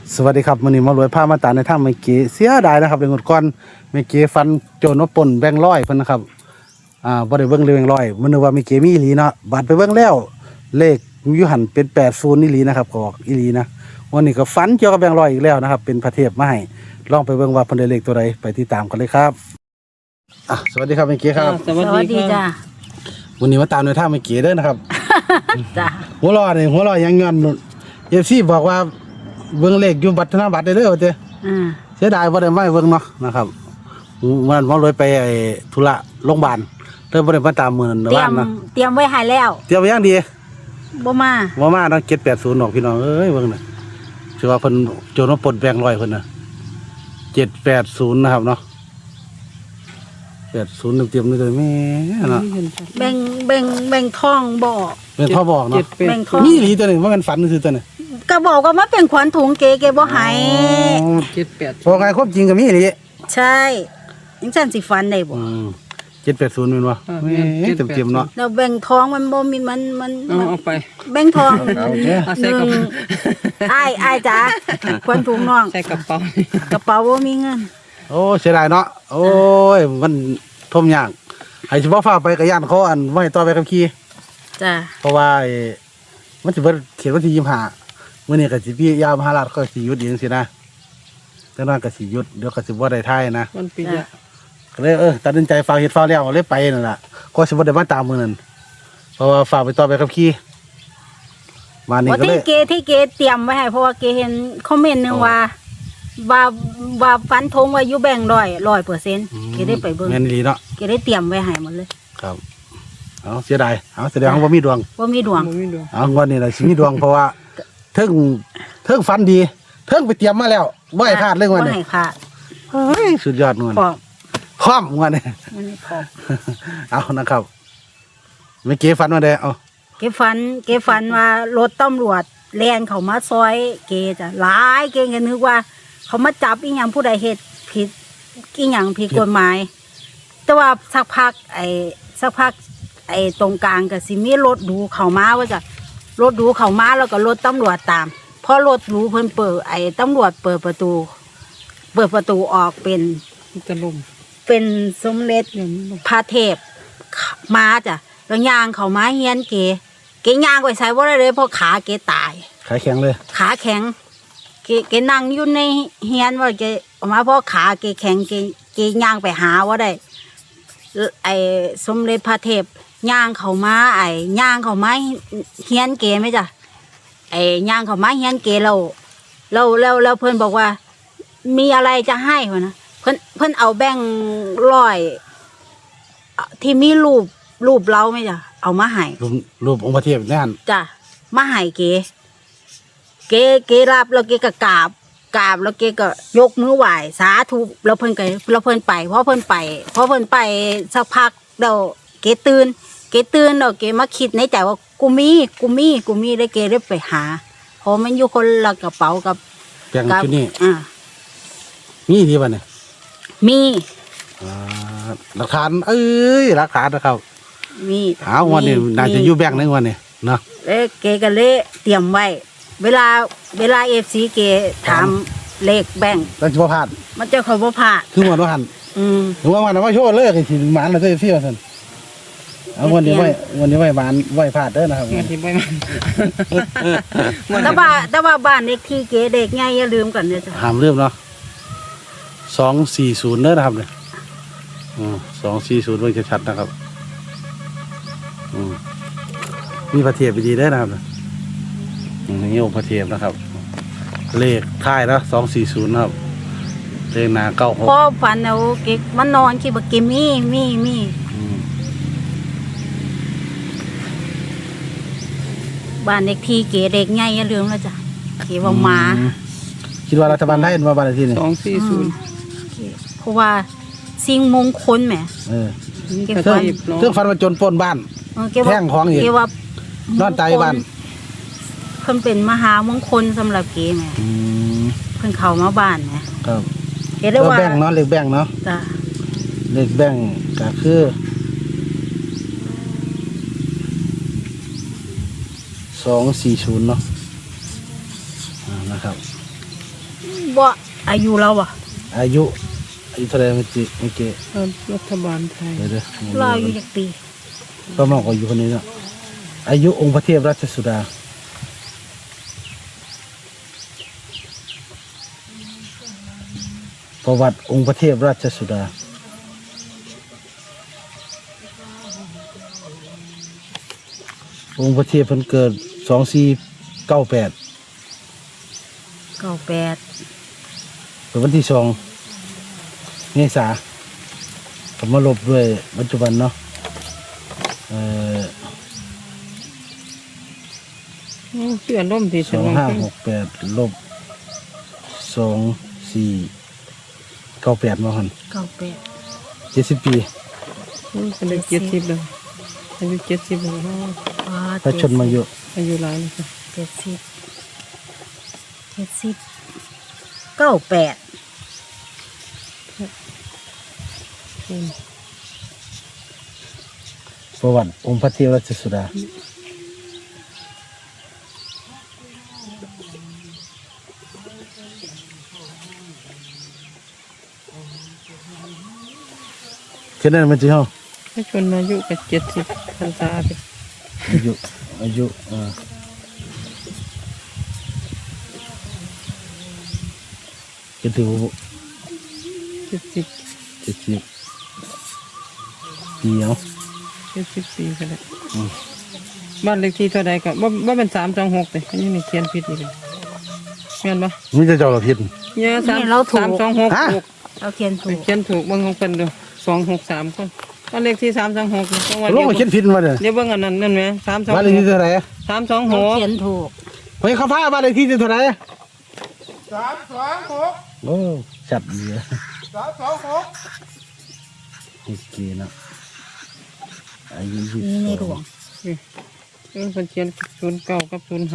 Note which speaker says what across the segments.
Speaker 1: สวัสดีครับมื้อนี้มารวยพามาตามในทางเมื่อกี้เสียดายนะครับเรื่องก่อนเมื่อกี้ฟันโจรมาปล้นแบงค์ร้อยเพิ่นนะครับบ่ได้เบิ่งเลยแบงค์ร้อยมันนึกว่าเมื่อกี้มีอีหลีเนาะบัดไปเบิ่งแล้วเลขอยู่หั่นเป็น80อีหลีนะครับก็ออกอีหลีนะวันนี้ก็ฝันเกี่ยวกับแบงค์ร้อยอีกแล้วนะครับเป็นพระเทพมาให้ลองไปเบิ่งว่าเพิ่นได้เลขตัวใดไปติดตามกันเลยครับสวัสดีครับเมื่อกี้ครับ
Speaker 2: สวัสดีจ้า
Speaker 1: วันนี้มาตามในทางเมื่อกี้เด้อนะครับ
Speaker 2: จ้า
Speaker 1: หัวเรอยังย้อนFCบอกว่าเบิ่งเลขอยู่บัตรธนบัตรได้เด้อว่าเด้ เสียดายบ่ได้มาเบิ่งเนาะนะครับมันบ่เลยไปธุระโรงพยาบาลเลยบ่ได้มาตามมื้อนั้น
Speaker 2: เตรีย
Speaker 1: ว่าม นะ
Speaker 2: เตรียมไว้ให้แล้ว
Speaker 1: เตรียมไว้อย่างดี
Speaker 2: บ่มา
Speaker 1: บ่มาเนาะ780ดอกพี่น้องเอ้ยเบิ่งน่ะถือว่าเพิ่นโจรมาปล้นแบงค์ร้อยเพิ่นน่ะ780นะครับเนาะ80เตรียมนี่เลยแม่เนาะ
Speaker 2: แบ่งทองบ่
Speaker 1: เป็นพ่อบอกเนาะ
Speaker 2: แบ่งทอง
Speaker 1: มีอีหลีตัวนึงว่ามันฝันซื่อตัวนึง
Speaker 2: ก็บอกว่ามันเป็นขวัญถุงเก๋บ่ให้
Speaker 1: พอไงความจริงก็มีอีหลี
Speaker 2: ใช่จังซั่นสิฝันได้บ่
Speaker 1: 780แม่นบ่แม่เต็มๆเนาะ
Speaker 2: แล้วแบ่งทองมันบ่มีมัน
Speaker 3: เอาไป
Speaker 2: แบ่งทอง
Speaker 1: โอเค
Speaker 3: เอาใส่กระเป๋า
Speaker 2: อ้ายจ้าขวัญถุงน้อง
Speaker 3: ใส่กระเป๋าก
Speaker 2: ระเป๋าบ่มีเงิน
Speaker 1: โอ้เสียดายเนาะโอ้ยมันทมยากให้สิบ่ฟ้าไปกับย่านเขาไว้ต่อไปกับขี่
Speaker 2: จ้า
Speaker 1: เพราะว่ามันสิเบิดเขตวันที่25มื้อนี้ก็สิพี่ยามมหาราชก็สิหยุดอีกจังซี่นะแต่นั้นก็สิหยุดเดี๋ยวก็สิบ่ได้ถ่ายนะ
Speaker 3: มันปีละ
Speaker 1: ก็เลยตัดสินใจฝากเฮ็ดฝากแล้วเลยไปนั่นล่ะก็สิบ่ได้มาตามมื้อนั้นเพราะว่าฝากไปต่อไปกับขี่มานี่
Speaker 2: ว่า
Speaker 1: ก็เลย
Speaker 2: ที่เกเตรียมไว้ให้เพราะว่าเกเห็นคอมเมนต์นึงว่าฟันธงว่าอยู่แบ่ง100%เกได้ไปเบิ่ง
Speaker 1: แม่นอีหลีเนาะ
Speaker 2: เกได้เตรียมไว้ให้หมดเลย
Speaker 1: ครับเอาเสียดายเอาแสดงว่าบ่มีดวง
Speaker 2: ว่ามีดวง
Speaker 3: มันไม่ดู
Speaker 1: เอางวดนี้แหละสิมีดวงเพราะว่าเทิงฟันดีเทิงไปเตรียมมาแล้วบ่ให้พลาดเรื่องวัน
Speaker 2: บ่
Speaker 1: นี้
Speaker 2: ให้พลาด
Speaker 1: เฮ้ยสุดยอดงวด
Speaker 2: พร้อม
Speaker 1: คว่ำงวดนี้
Speaker 2: มันนี้พร้อม
Speaker 1: เอานะครับเมื่อกี้ฟันมาได้เอา
Speaker 2: เกฝันว่ารถตำรวจแล่นเข้ามาซอยเกจ้ะหลายเกก็นึกว่า เขามาจับอีหยังผู้ใดเฮ็ดผิดอีหยังผิดกฎหมาย แต่ว่าสักพักตรงกลางก็สิมีรถหรูเข้ามาว่าจ้ะรถหรูเข้ามาแล้วก็รถตำรวจตามพอรถหรูเพิ่นเปิดตำรวจเปิดประตูออก
Speaker 3: จะลม
Speaker 2: เป็นสมเด็จ
Speaker 3: เดี๋ยวนี้ลม
Speaker 2: พระเทพมาจ้ะแล้วย่างเขามาเฮียนเกย่างไปใส่ว่าได้เลยเพราะขาเกตาย
Speaker 1: ขายแข็งเลย
Speaker 2: ขาแข็งเกนั่งอยู่ในเฮียนว่าเกออกมาเพราะขาเกแข็งเกย่างไปหาว่าได้สมเด็จพระเทพย่างเขามาย่างเขามาเฮียนเกไหมจ้ะย่างเขามาเฮียนเกเราเพื่อนบอกว่า มีอะไรจะให้วะนะเพื่อนเอาแบ่งร้อยที่มีรูปเราไหมจ้ะเอามาให้
Speaker 1: รูปองค์พระเทพนั่น
Speaker 2: จ้ะมาให้เกรับแล้วเกก็กราบแล้วเกก็ยกมือไหว้สาธุแล้วเพิ่นไปเพราะเพิ่นไปสักพักเดี๋ยวเกตื่นแล้วเกมาคิดในใจว่ากูมีได้เกได้ไปหาเพราะมันอยู่คนละกระเป๋ากับ
Speaker 1: แปลงชุดนี้ มีดีป่ะเนี่ย
Speaker 2: มี
Speaker 1: หลักฐานหลักฐานนะครับ
Speaker 2: มี
Speaker 1: เอางวดนี้น่าจะอยู่แบงค์ในงวดนี้เนาะ
Speaker 2: แล้วเกก็เลยเตรียมไว้ เวลาFCเกถามเลขแบ่ง
Speaker 1: แล้วจะบ่พลาด
Speaker 2: มันจะขอบ่พลาด
Speaker 1: คืองวดว่าหัน ถึงว่ามันเอามาโชว์เลยก็สิหมานแล้วก็เสียวซั่นเอางวดนี้ไว้หมานไว้พลาดเด้อนะครับ
Speaker 3: งานที่ไม่มัน
Speaker 2: แต่ว่าบ้านเลขที่เกเด็กไงอย่าลืมกันนะจ๊ะ
Speaker 1: ห้ามลืมเนาะ240เด้อนะครับเนี่ย240เบิ่งชัดๆนะครับมีพระเทพดีเด้อนะครับนี่องค์พระเทพนะครับ เลขท้ายนะ240นะครับเลขหน้า96
Speaker 2: พ่อฝันเอาเกมันนอนคิดว่าเกมีบ้านเลขที่เกเด็กไงอย่าลืมนะจ๊ะเกว่าหมา
Speaker 1: คิดว่ารัฐบาลไทยมาบ้านเลขที่นี่
Speaker 2: เพราะว่าสิ่งมงคลแหม
Speaker 3: นี่
Speaker 2: เก็
Speaker 3: ก็
Speaker 2: บไว้
Speaker 3: จีบลง
Speaker 1: เครื่องฟันมาจนปล้นบ้าน แท่งของอีก
Speaker 2: เกว่าน
Speaker 1: อนใจบ้าน
Speaker 2: เพิ่นเป็นมหามงคลสำหรับเกแหมเพิ่นเข้ามาบ้านแหม
Speaker 1: ครับ
Speaker 2: เกได้
Speaker 1: แล้ว
Speaker 2: ว่า
Speaker 1: แบ่งเนาะเลขแบ่งเนาะ
Speaker 2: จ้ะ
Speaker 1: เลขแบ่งก็คือ240เนาะนะครับ
Speaker 2: บ่อายุเราอ่ะ
Speaker 1: อายุเท่าไหร่เมื่อกี้
Speaker 3: รัฐบาลไทย
Speaker 1: เดี๋ยว
Speaker 2: เราอายุจักปี
Speaker 1: ก็มากกว่าอายุคนนี้เนาะอายุองค์พระเทพราชสุดาประวัติองค์พระเทพราชสุดาองค์พระเทพเพิ่นเกิด2498
Speaker 2: 98
Speaker 1: เป็นวันที่2 เมษายนก็มาลบด้วยปัจจุบันเนาะ
Speaker 3: เพื่อนร่มที่ฉันว่า
Speaker 1: 2568ลบ2498มาหั่น
Speaker 2: 98
Speaker 1: 70 ปี
Speaker 3: เป็นเด็ก70เลยอายุ70แล้ว
Speaker 1: พระชนมายุ
Speaker 3: อายุหลายเลยค่ะ
Speaker 2: 98
Speaker 1: ประวัติองค์พระเทพราชสุดาแค่นั้นมันจะเฮา
Speaker 3: ถ้าชนอายุกับ70พรรษาไป
Speaker 1: อายุจะถือว่า
Speaker 3: 70
Speaker 1: 70 ปีเอา
Speaker 3: 70 ปีก็ได้บ้านเลขที่เท่าใดก็บ่เป็น326เลยอันนี้นี่เขียนผิดอีกเลยแม่นบ่
Speaker 1: ไม่จะเจ้าเราผิด
Speaker 3: เนี่ย
Speaker 2: นี่เราถูก
Speaker 3: 326
Speaker 1: ฮะ
Speaker 3: ถูก
Speaker 2: เราเขียนถูก
Speaker 3: เขียนถูกเบิ่งของเพิ่นดู263คนบ้านเลขที่326นี่ต้องว่า
Speaker 1: ลงมาเขียนผิดมาเด้อ
Speaker 3: เดี๋ยวเบิ่งอันนั้นนั่นแหม
Speaker 1: บ้านเลขที่เท่าไหร่
Speaker 3: 326
Speaker 2: เราเขียนถูก
Speaker 1: เฮ้ยเขาพาบ้านเลขที่เท่าไหร่
Speaker 4: 326
Speaker 1: โอ้จัดดีอะ
Speaker 4: 326
Speaker 1: โอเคนะอายุ
Speaker 2: นี่ในหลวง
Speaker 3: เพิ่นเขียน09กับ05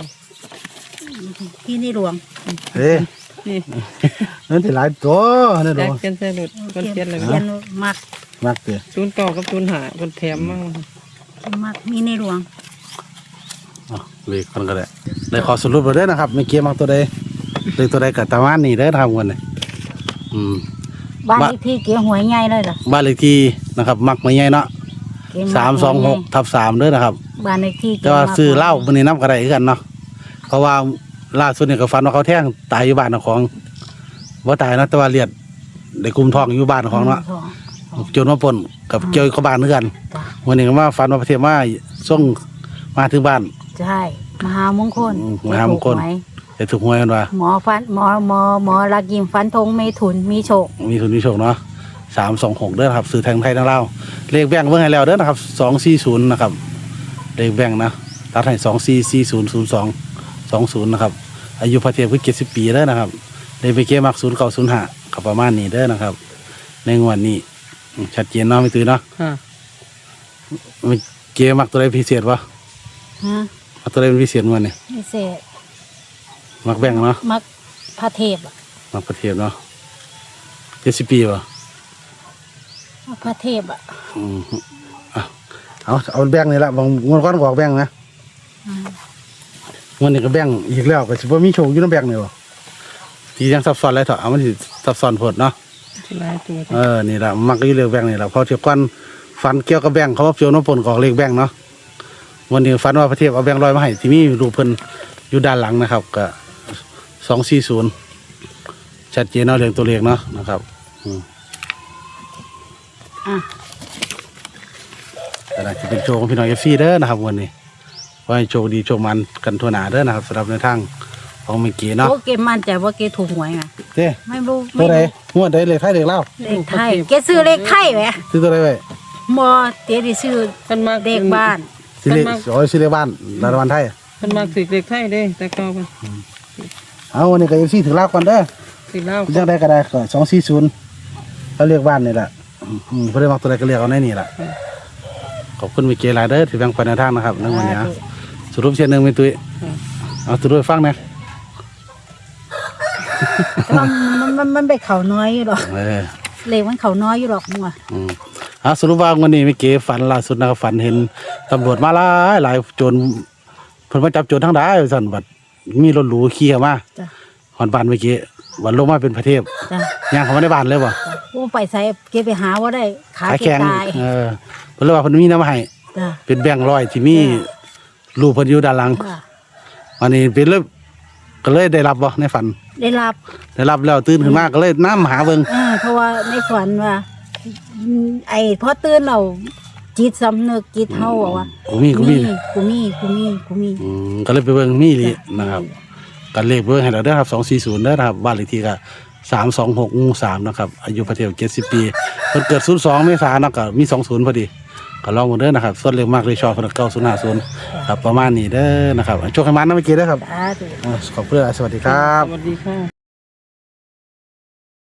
Speaker 2: ที่ในหลวง
Speaker 1: เฮ้ย
Speaker 3: นี่
Speaker 1: นั่นที่หลายตัวนี่
Speaker 3: แจ
Speaker 1: ดู
Speaker 3: กเขียนใส่รถเพิ่นเขียนเลย
Speaker 2: เขียนมัก
Speaker 1: มักเตะ
Speaker 3: 09กับ05เพิ่นแถมมา
Speaker 2: มักมีในหลวง
Speaker 1: เลขคนก็ได้เลยขอสรุปเลยนะครับไม่เกี่ยมักตัวใดเลขตัวใดกับตามานนี่ได้อทำกันเลย
Speaker 2: บ้านเลขที่เกี่ยวหวยใหญ่เลยเหรอ
Speaker 1: บ้านเลขที่นะครับ มักไม่ใหญ่เนาะ
Speaker 2: เกี่ยวมักหวยใหญ่
Speaker 1: 326/3เด้อนะครับ
Speaker 2: บ้านเลขที่
Speaker 1: แต่ว่าซื้อเหล้ามันนี่น้ำกระไรกันเนาะเพราะว่าล่าสุดเนี่ยก็ฟันว่าเขาแท่งตายอยู่บ้านของว่าตายนะแต่ว่าเลียดได้กุมทองอยู่บ้านของเนาะโจรมาปล้นกับเกี่ยวกับบ้านเพื่อนวันนี้ก็มาฟันว่าประเทศมาส่งมาถึงบ้าน
Speaker 2: ใช่มหามงคล
Speaker 1: มหามงคล จะถูกหวยกันว่า
Speaker 2: หมอรักยิมฟันธงไม่ถุนมีโชค
Speaker 1: มีทุนมีโชคเนาะ326เด้อครับซื้อแทงไทยทั้งเล่าวเลขแบ่งเบิ่งให้แล้วเด้อนะครับ240นะครับเลขแบ่งนะตัดให้24400220นะครับอายุพระเทพคือ70 ปีเด้อนะครับเลขไปเกมัก0905กับประมาณนี้เด้อนะครับ ในงวดนี้ชัดเจนเนาะไม่ตื่นเนาะ
Speaker 3: ค่ะ
Speaker 1: ไม่เกมักตัวใดพิเศษวะ
Speaker 2: ฮะ
Speaker 1: มักตัวใดเป็นพิเศษงวดนี้
Speaker 2: พิเศษ
Speaker 1: มักแบ่งเนาะ
Speaker 2: มักพระเทพอะ
Speaker 1: มักพระเทพเนาะ70 ปีวะ
Speaker 2: มักพระเทพอ่ะ
Speaker 1: อืมเอาแบ่งนี่ละบางงวดก่อนก็ออกแบ่งนะ วันนี้ก็แบ่งอีกแล้วก็สิบ่มีโชคอยู่ในแบ่งนี่บ่ที่ยังซับซ้อนหลายเถอะเอามันสิซับซ้อนโพดเนาะ
Speaker 3: หลายตัว
Speaker 1: นี่ล่ะมักก็อยู่เรื่องแบ่งนี่ล่ะเพอเที่ยวก่อนฝันเกี่ยวกับแบ่งเขาว่าเกี่ยวน้ำปนกอกเลขแบ่งเนาะวันนี้ฝันว่าพระเทพเอาแบ่ง100มาให้ที่มีรูปเพิ่นอยู่ด้านหลังนะครับก็240ชัดเจนเนาะเรื่องตัวเลขเนาะนะครับ
Speaker 2: อ่ะ
Speaker 1: แต่ละจะเป็นโชคของพี่น้อง FC เด้อนะครับวันนี้ขอให้โชคดีโชคมันกันทั่วหน้าเด้อนะครับสำหรับในทางของเมื่อกี้เนาะ
Speaker 2: โอ้เกมั่นใจว่าเกถูกหวยไง
Speaker 1: เด้
Speaker 2: ไม่รู้
Speaker 1: ตัวใดงวดใดเลขไทยเลขลาว
Speaker 2: เลขไทยเกซื้อเลขไทยไหม
Speaker 1: ซื้อตัวใดไว้
Speaker 2: มอเตี้ยที่ซื้อ
Speaker 3: เพิ่นมา
Speaker 2: เลขบ้าน
Speaker 1: ซื้อเลขซื้อเลขบ้านรัฐบาลไทย
Speaker 3: เพิ่นมาสิเลขไทยเด้แต่เก่าเพิ่น
Speaker 1: เอาวันนี้ก็FCถึงลาวก่อนเด้อ
Speaker 3: สิลาว
Speaker 1: จังได้ก็ได้ก็240เขาเรียกบ้านนี่แหละเพิ่นได้มักตัวใดก็เรียกเอาในนี่ล่ะขอบคุณมิเกหลายเด้อที่แบ่งปันแนวทางนะครับในวันนี้สรุปเช่นนึงเป็นตุ้ยเอาสรุปให้ฟังนะ
Speaker 2: มันไปเขาน้อยอยู่หรอก
Speaker 1: อ
Speaker 2: เลขมันเขาน้อยอยู่หรอกมัว
Speaker 1: เอาสรุปว่าวันนี้มิเกฝันล่าสุดนะครับฝันเห็นตำรวจมาหลายโจรเพิ่นมาจับโจรทั้งหลายสั่นบัดมีรถหรูขี่เข้ามา
Speaker 2: จ้ะ
Speaker 1: ฮอนบ้านเมื่อกี้วันลงมาเป็นพระเทพ
Speaker 2: จ้ะ
Speaker 1: ย่างเข้ามาในบ้านเลยบ่
Speaker 2: โอ้ไปใส่เกไปหาว่าได้ขา
Speaker 1: ขา
Speaker 2: เก
Speaker 1: แข็ง
Speaker 2: ตาย
Speaker 1: เพิ่นเลยว่าเพิ่นมีน้ำให้
Speaker 2: จ้ะ
Speaker 1: เป็นแบงค์ร้อยที่มีรูปเพิ่นอยู่ด้านหลัง
Speaker 2: จ้ะ
Speaker 1: วันนี้เป็นเลยก็เลยได้รับบ่ในฝัน
Speaker 2: ได้รับ
Speaker 1: ได้รับแล้วตื่นขึ้นมาก็เลยน้ำหาเบิ่ง
Speaker 2: เพราะว่าในฝันว่าไอ้พอตื่นเราจิตสำนึกจิตเฮาบอกว่า
Speaker 1: กูมี
Speaker 2: กูมี
Speaker 1: ก็เลยไปเบิ่งมีอีหลีนะครับกันเลขเบิ่งให้เราเด้อครับ240เด้อนะครับบ้านเลขที่ก็326หมู่3นะครับอายุพระเทพ70 ปีเพิ่นเกิด02เมษายนเนาะก็มี20พอดีก็ลองมาเด้อนะครับส่วนเลขมากเลยชอบเพิ่น950ครับประมาณนี้เด้อนะครับโชคให้มันนะเมื่อกี้เด้อครับ
Speaker 2: สาธุ
Speaker 1: ขอบคุณสวัสดีครับ
Speaker 3: สวัสดีค่ะ